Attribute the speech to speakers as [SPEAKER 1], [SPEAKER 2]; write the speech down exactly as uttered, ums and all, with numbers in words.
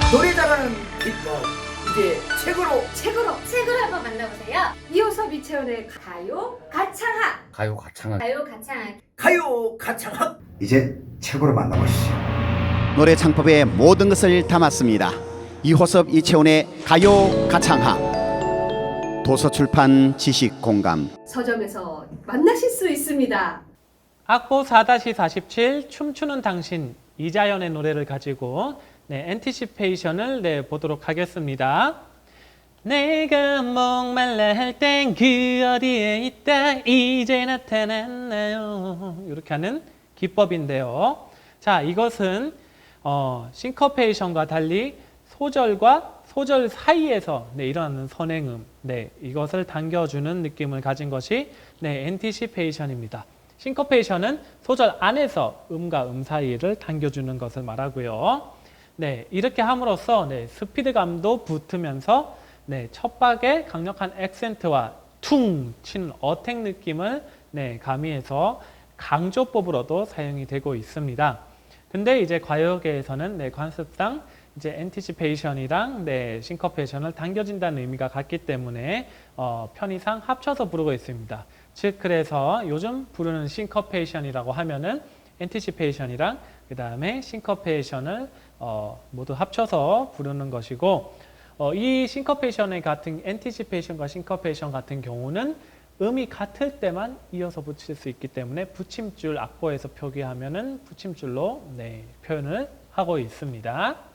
[SPEAKER 1] 노래 잘하는 비법 이제 책으로
[SPEAKER 2] 책으로 책을 한번 만나보세요. 이호섭 이채원의 가요 가창학.
[SPEAKER 3] 가요 가창학.
[SPEAKER 2] 가요 가창학.
[SPEAKER 1] 가요 가창학
[SPEAKER 4] 이제 책으로 만나보시죠.
[SPEAKER 5] 노래 창법의 모든 것을 담았습니다. 이호섭 이채원의 가요 가창학. 도서출판 지식공감.
[SPEAKER 2] 서점에서 만나실 수 있습니다.
[SPEAKER 6] 악보 사 사십칠 춤추는 당신 이자연의 노래를 가지고 네, 엔티시페이션을 네, 보도록 하겠습니다. 내가 목말라 할 땐 그 어디에 있다 이제 나타났나요. 이렇게 하는 기법인데요. 자, 이것은 어, 싱커페이션과 달리 소절과 소절 사이에서 네, 일어나는 선행음, 네, 이것을 당겨주는 느낌을 가진 것이 네, 엔티시페이션입니다. 싱커페이션은 소절 안에서 음과 음 사이를 당겨주는 것을 말하고요. 네, 이렇게 함으로써 네, 스피드감도 붙으면서 네, 첫 박에 강력한 액센트와 퉁 치는 어택 느낌을 네, 가미해서 강조법으로도 사용이 되고 있습니다. 근데 이제 과요계에서는 네, 관습상 이제 엔티시페이션이랑 네, 싱커페이션을 당겨진다는 의미가 같기 때문에 어, 편의상 합쳐서 부르고 있습니다. 즉 그래서 요즘 부르는 싱커페이션이라고 하면은 엔티시페이션이랑 그 다음에 싱커페이션을 어, 모두 합쳐서 부르는 것이고 어, 이 싱커페이션의 같은 엔티시페이션과 싱커페이션 같은 경우는 음이 같을 때만 이어서 붙일 수 있기 때문에 붙임줄 악보에서 표기하면은 붙임줄로 네, 표현을 하고 있습니다.